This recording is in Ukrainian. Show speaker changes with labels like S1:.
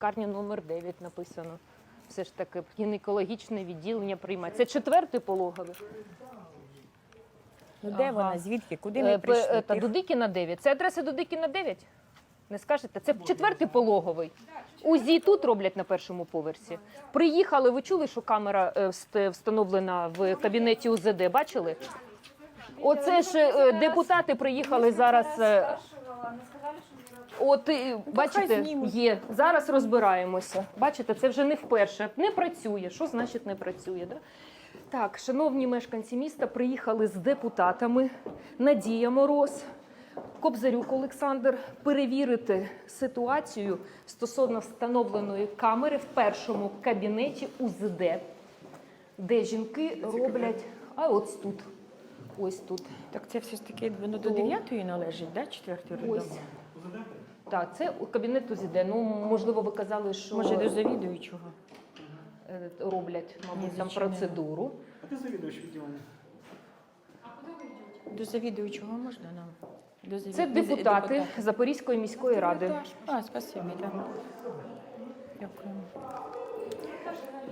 S1: Лікарня номер 9 написано. Все ж таки гінекологічне відділення приймає. Це 4-й пологовий?
S2: Ну де
S1: Ага.
S2: вона? Звідки? Куди ми прийшли?
S1: Та Дудикіна 9. Це адреса Дудикіна 9? Не скажете? Це 4-й пологовий. УЗІ тут роблять на першому поверсі. Приїхали, ви чули, що камера встановлена в кабінеті УЗД, бачили? Оце ж депутати приїхали зараз. От, бачите, є. Зараз розбираємося. Бачите, це вже не вперше. Не працює. Що значить не працює? Да? Так, шановні мешканці міста, приїхали з депутатами Надія Мороз, Кобзарюк Олександр, перевірити ситуацію стосовно встановленої камери в першому кабінеті УЗД, де жінки роблять, а ось тут, ось тут.
S2: Так це все ж таки воно до 9-ї належить, да? 4-й роддом?
S1: Ось. Так, це кабінет УЗД. Ну, можливо, ви казали, що
S2: Може до завідуючого?
S1: роблять, мабуть, там
S2: Звичайно.
S1: процедуру.
S3: А ти завідувач відділення?
S2: До завідуючого можна нам?
S1: Це депутати Запорізької міської ради.
S2: А, спасибі, так. Дякую.